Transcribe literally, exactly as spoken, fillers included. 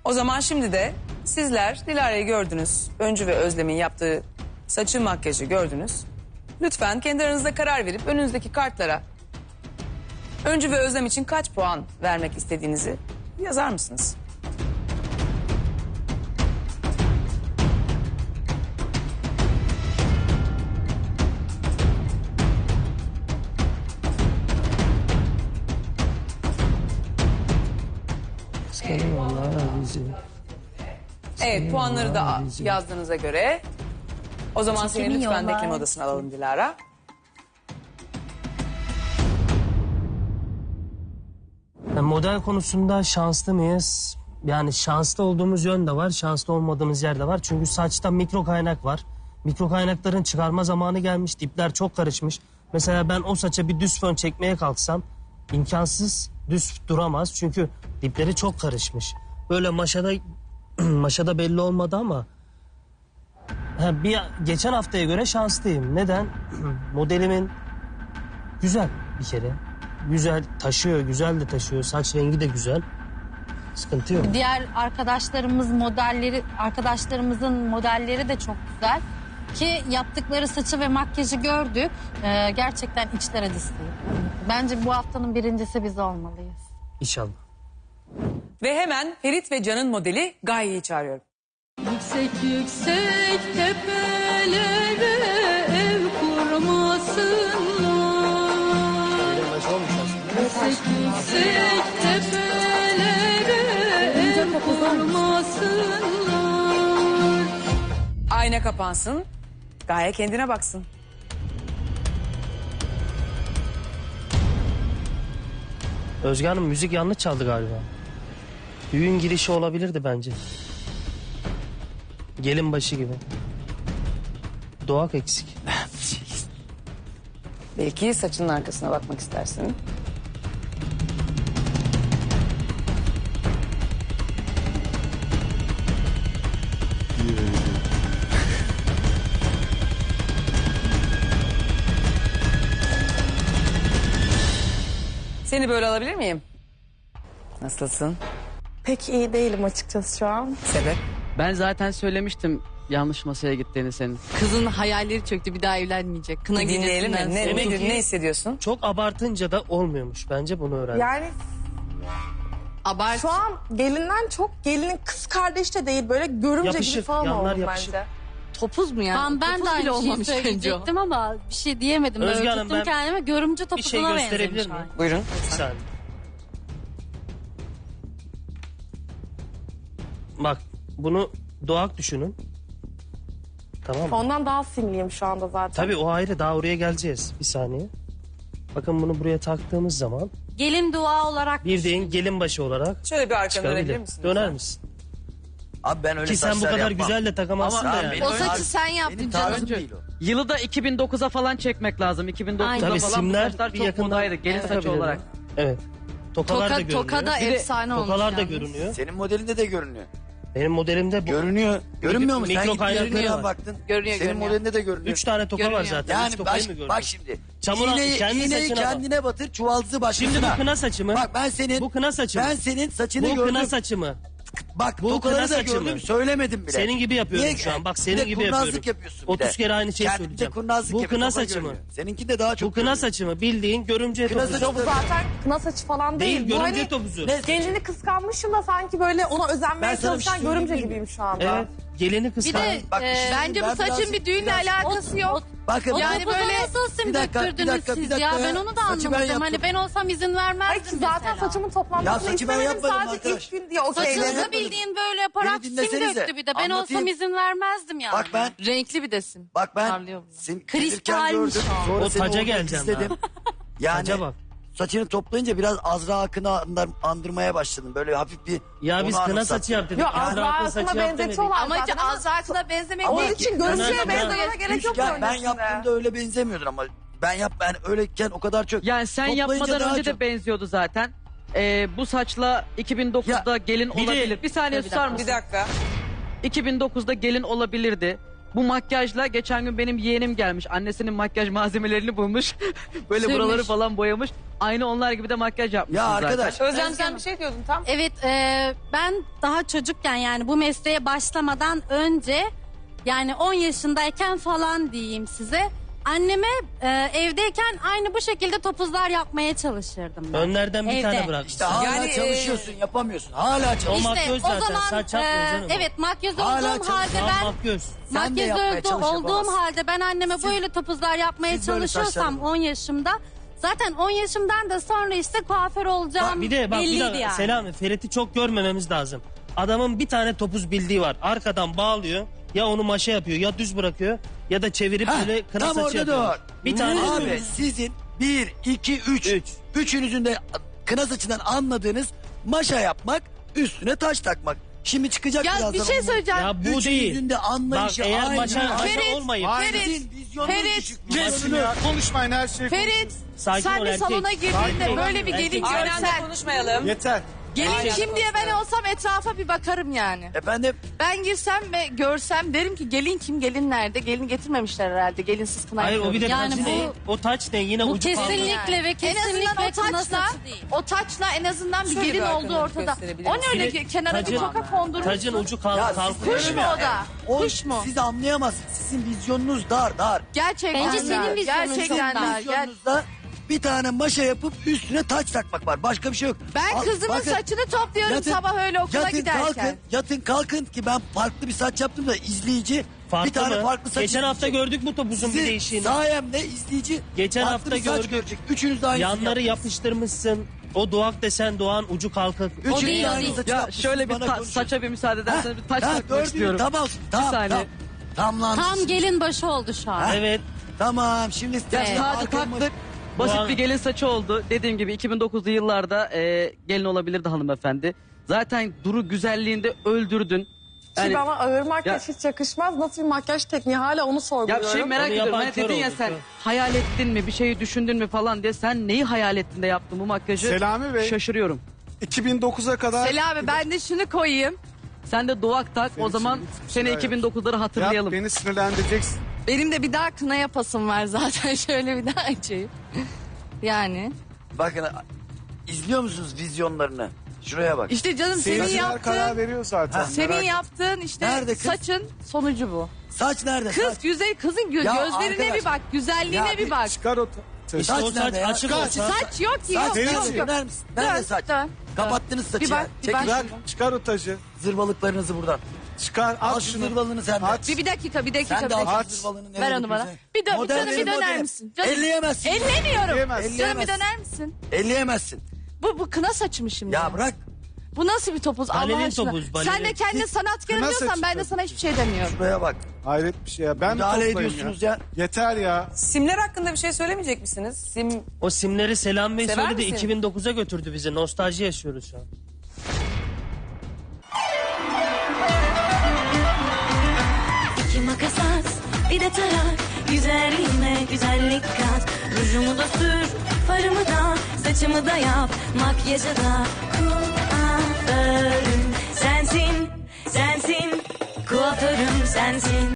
O zaman şimdi de sizler Dilara'yı gördünüz. Öncü ve Özlem'in yaptığı saçı makyajı gördünüz. Lütfen kendi aranızda karar verip önünüzdeki kartlara Öncü ve Özlem için kaç puan vermek istediğinizi yazar mısınız? Evet, puanları da yazdığınıza göre o zaman seni lütfen bekleme odasına alalım Dilara. Yani model konusunda şanslı mıyız? Yani şanslı olduğumuz yön de var, şanslı olmadığımız yer de var. Çünkü saçta mikro kaynak var. Mikro kaynakların çıkarma zamanı gelmiş, dipler çok karışmış. Mesela ben o saça bir düz fön çekmeye kalksam imkansız, düz duramaz. Çünkü dipleri çok karışmış. Böyle maşada maşada belli olmadı ama ha, bir geçen haftaya göre şanslıyım. Neden? Modelimin güzel bir kere. Güzel taşıyor, güzel de taşıyor. Saç rengi de güzel. Sıkıntı yok. Diğer arkadaşlarımız modelleri, arkadaşlarımızın modelleri de çok güzel. Ki yaptıkları saçı ve makyajı gördük. Ee, gerçekten içler acısı. Bence bu haftanın birincisi biz olmalıyız. İnşallah. Ve hemen Ferit ve Can'ın modeli Gaye'yi çağırıyorum. Yüksek yüksek tepelere ev kurmasınlar. Yüksek yüksek tepelere ev kurmasınlar. Ayna kapansın, Gaye kendine baksın. Özge Hanım müzik yanlış çaldı galiba. Düğün girişi olabilirdi bence. Gelin başı gibi. Doğak eksik. Belki saçının arkasına bakmak istersin. Seni böyle alabilir miyim? Nasılsın? Pek iyi değilim açıkçası şu an. Sebep? Ben zaten söylemiştim yanlış masaya gittiğini senin. Kızın hayalleri çöktü, bir daha evlenmeyecek. Kına Dinleyelim mi? gecesinden Ne, sonra. Demek nedir, ki- ne hissediyorsun? Çok abartınca da olmuyormuş. Bence bunu öğrendim. Yani Abart. şu an gelinden çok gelinin kız kardeş de değil böyle görümce Yapışık, gibi falan yanlar oldum yapışık. bence. Topuz mu yani? Ben, ben Topuz de bile aynı şeyi olmamış bence o. söyleyecektim ama bir şey diyemedim. Özge Böyle Hanım, tuttum ben kendime görümce bir şey topuzuna gösterebilir benzemiş. miyim? hali. Buyurun. Bir saniye. Bak bunu doğak düşünün. Tamam mı? Ondan daha sinirliyim şu anda zaten. Tabii o ayrı, daha oraya geleceğiz. Bir saniye. Bakın bunu buraya taktığımız zaman Gelin dua olarak bir deyin gelin başı olarak Şöyle bir arkana dönebilir çıkabilir. misin? Döner lütfen? misin? Abi ben öyle Ki sen bu saçlar kadar yapmam. güzel de takamazsın Ama da abi yani. benim O saçı tarzım- sen yaptın benim canım. tarzım değil o. Yılı da iki bin dokuza falan çekmek lazım. iki bin dokuzda Aynen. Tabii falan bu simler saçlar bir çok yakından modaydı. Gelin saçı takabilirler. olarak. Evet. Tokalar da Toka, görünüyor. toka da Bir de efsane olmuş Tokalar da yalnız. görünüyor. Senin modelinde de görünüyor. Benim modelimde bu. Görünüyor. Görünmüyor mu? Sen mikro git kaynakları görünüyor var. baktın. Görünüyor, Senin görünüyor. modelinde de görünüyor. Üç tane toka var Görünüyor. zaten. Yani Üç tokayı baş, mı gördün? bak şimdi. Çamura- iğneyi, kendi iğneyi saçına bak. kendine batır, çuvaldızı başkasına. Şimdi bu kına saçı mı? Bak ben senin... Bu kına saçı mı? Ben senin saçını Bu gördüm. kına saçı mı? Bak Bu tokaları kına da saçı gördüm, mı? söylemedim bile. Senin gibi yapıyorum Niye? şu an. Bak Bir senin de gibi kurnazlık yapıyorum. yapıyorsun bir otuz de. kere aynı şeyi Kendinde söyleyeceğim. kurnazlık Bu yapıyor, kına toka saçı mı? görünüyor. Seninki de daha çok Bu kına görünüyor. saçı mı? Bildiğin görümce Kına topuzu. saçı- Bu zaten kına saçı falan değil. Değil, Bu görümce hani topuzu. Ne? gelini kıskanmışım da sanki böyle ona Ben özenmeye sana bir şey çalışan görümce söyleyeyim mi? gibiyim şu anda. Evet. Gelini Bir kıskan. de Bak, bir e, şey bence bu ben saçın biraz- bir düğünle biraz- alakası yok. Bakın O Yani topuza böyle- nasıl sim Bir dakika, bir döktürdünüz dakika, bir siz dakika ya? ya. Ben onu da Saçı ben anlamadım. Hani yaptım. ben olsam izin Ay vermezdim ki zaten mesela. saçımın toplanmasını Ya saçı ben istemedim yapmadım sadece arkadaş. ilk gün diye Saçını okey ben dedim. Saçınıza bildiğin böyle yaparak Beni sim dinlesenize. döktü bir de. Ben Anlatayım. olsam izin vermezdim yani. bak ben Renkli bir desin. Bak ben Parlıyor bu. seni Kristalmiş gelirken gördüm. o. Sonra O seni taca orada geleceğim izledim. Yani Taca bak. saçını toplayınca biraz Azra Akın'ı andar- andırmaya başladım. Böyle hafif bir... Ya onu biz kına anımsattı. saç yap dedik. Yok Azra Azra Akın saçı Akın'a yap demedik. benzetiyorlar Amacı zaten ama Azra'kına benzemek onun değil için ki. görüntüye Ben- benzemene gerek yok. Ya ben öncesinde. yaptığımda öyle benzemiyordun ama ben yap ben öyleyken o kadar çok. Yani sen Toplayınca yapmadan daha önce de çok. benziyordu zaten. Ee, bu saçla iki bin dokuzda gelin bir de- olabilir. Bir saniye Bir susar dakika. Bir mısın? dakika. iki bin dokuzda gelin olabilirdi. Bu makyajla geçen gün benim yeğenim gelmiş. Annesinin makyaj malzemelerini bulmuş. Böyle Sürmüş. buraları falan boyamış. Aynı onlar gibi de makyaj yapmış. Ya arkadaş Özlem sen bir şey diyordun tam. Evet, e, ben daha çocukken yani bu mesleğe başlamadan önce yani on yaşındayken falan diyeyim size. Anneme e, evdeyken aynı bu şekilde topuzlar yapmaya çalışırdım ben. Önlerden bir Evde. tane bırak. işte hala Yani, çalışıyorsun yapamıyorsun. Hala O çalışıyorsun. makyöz zaten, saç yapmıyor e, canım o. evet makyöz Hala olduğum çalış- halde Tamam, ben makyöz. Sen de makyöz yapmaya oldu- çalış, olduğum yapamazsın. halde ben anneme Siz- böyle topuzlar yapmaya siz böyle çalışıyorsam saçlarınız- on yaşımda zaten on yaşımdan da sonra işte kuaför olacağım Bak bir de bak bir belliydi dakika yani. Selami, Ferit'i çok görmememiz lazım. Adamın bir tane topuz bildiği var. Arkadan bağlıyor. Ya onu maşa yapıyor ya düz bırakıyor ya da çevirip Heh, böyle kına tam saçı orada yapıyor. dur. Bir tane Abi bildiği. sizin bir, iki, üç. Üç. Üçünüzün de kına saçından anladığınız maşa yapmak, üstüne taş takmak. Şimdi çıkacak Ya birazdan. bir şey onun- söyleyeceğim. Ya bu Üçünüzün değil. de Bak anlayışı eğer aynı. maşa, maşa Ferit, olmayıp Ferit, Sizin vizyonunuz Ferit, düşük. Kesin vizyonunuz. ya. Konuşmayın her şeyi. Ferit Sakin sen ol, bir erkek. salona girdiğinde Sakin ol. böyle bir gelin Erkek. Aynı anda görsen. konuşmayalım. Yeter. Gelin Aynen. kim diye ben olsam etrafa bir bakarım yani. Efendim Ben girsem ve görsem derim ki gelin kim, gelin nerede? Gelin getirmemişler herhalde. Gelinsiz kına Hayır o bir de Yani taç bu- ne? O taç ne? Yine Bu ucu kaldı. kesinlikle ve en kesinlikle azından o kına taçla, saçı değil. o taçla en azından bir Şöyle bir gelin olduğu arkadan ortada. gösterebilir O ne öyle misin? ki kenara bir Tacın- toka kondurmuşsun. Tacın ucu kal Ya kalkıyor. Kuş mu o da? o, Kuş mu? siz anlayamazsınız. Sizin vizyonunuz dar dar. Gerçekten Bence dar. senin vizyonun Gerçekten çok dar. dar. Ger- Vizyonunuzda bir tane maşa yapıp üstüne taç takmak var. Başka bir şey yok. Ben Al, kızımın bakın, saçını topluyorum yatın- sabah öyle okula yatın, giderken. Kalkın, yatın kalkın ki ben farklı bir saç yaptım da izleyici Farklı bir tane mı? farklı saç Geçen hafta izleyecek. gördük bu topuzun bir Sizin değişiğini. sayemde izleyici Geçen farklı hafta bir saç gördük. görecek. Üçünüz de aynısını Yanları yaptınız. yapıştırmışsın. O doğak desen doğan ucu kalkık. Üçünüz değil, de o aynı değil. saçı Ya yapmışsınız, şöyle bir bana ta- konuşun. saça bir müsaade ederseniz bir taç Ha, takmak dördünüz, istiyorum. Tamam tamam saniye. tamam. Tamam Tam gelin başı oldu şu an. Evet. Tamam şimdi Ya size tacı arkama- taktık. Basit Bu an- bir gelin saçı oldu. Dediğim gibi iki bin dokuzlu yıllarda e, gelin olabilirdi hanımefendi. Zaten duru güzelliğinde öldürdün. Ki Yani, bana ağır makyaj Ya- hiç yakışmaz. Nasıl bir makyaj tekniği hala onu ya sorguluyorum. bir şey merak Onu ediyorum. yapan Hani kör dedin ya oldu, sen kör. hayal ettin mi bir şeyi düşündün mü falan diye. Sen neyi hayal ettin de yaptın bu makyajı? Selami Bey. Şaşırıyorum. iki bin dokuza kadar Selami ben de şunu koyayım. Sen de doğak tak o zaman şimdi bitmiş seni ya. iki bin dokuzları yap, hatırlayalım. beni sinirlendireceksin. Benim de bir daha kına yapasım var zaten. Şöyle bir daha açayım. Yani. Bakın izliyor musunuz vizyonlarını? Şuraya bak. İşte canım senin Seyirciler karar yaptığın, veriyor zaten. senin merak etme. yaptığın işte Nerede kız? saçın sonucu bu. Saç nerede? Kız Saç. yüzey kızın gö- Ya gözlerine arkadaş. bir bak, güzelliğine Ya bir bir bak. Çıkar o ta- İşte Saç o saç nerede ya? açık Saç- olsa. Saç yok ki Saç yok nerede? yok yok. Döner misin? Nerede Dön, saç? dön. Kapattınız saçı Bir bak, ya. bir Çekin bak. Bırak çıkar o tacı. zırvalıklarınızı buradan. Çıkar Al at şu şunu. zırvalını sen de. At. Bir, bir dakika bir dakika. Sen bir de dakika. al Aç. şu zırvalını. Ver nereye onu bana. götürürsen. Bir dön, Model canım bir benim döner modelim. misin? Canım. Elleyemezsin. Ellemiyorum. Elleyemezsin. Canım bir Elleyemezsin. döner misin? Elleyemezsin. Bu, bu kına saçı mı şimdi? Ya bırak. Bu nasıl bir topuz Allah Balerin aşkına? topuz, balerin. Sen de kendine sanatkarım Kına diyorsan saçı ben de tabii sana hiçbir şey demiyorum. Şuraya bak. Hayret bir şey ya. Ben mi Müdahale toplayayım ediyorsunuz ya. Yeter ya. Simler hakkında bir şey söylemeyecek misiniz? Sim O simleri Selam Bey Sever söyledi, misin? iki bin dokuza götürdü bizi. Nostalji yaşıyoruz şu an. İki makas at, bir de tarak. Güzelliğime güzellik kat. Rujumu da sür, farımı da, saçımı da yap. Makyajı da kuaförüm sensin, sensin. Kuaförüm sensin.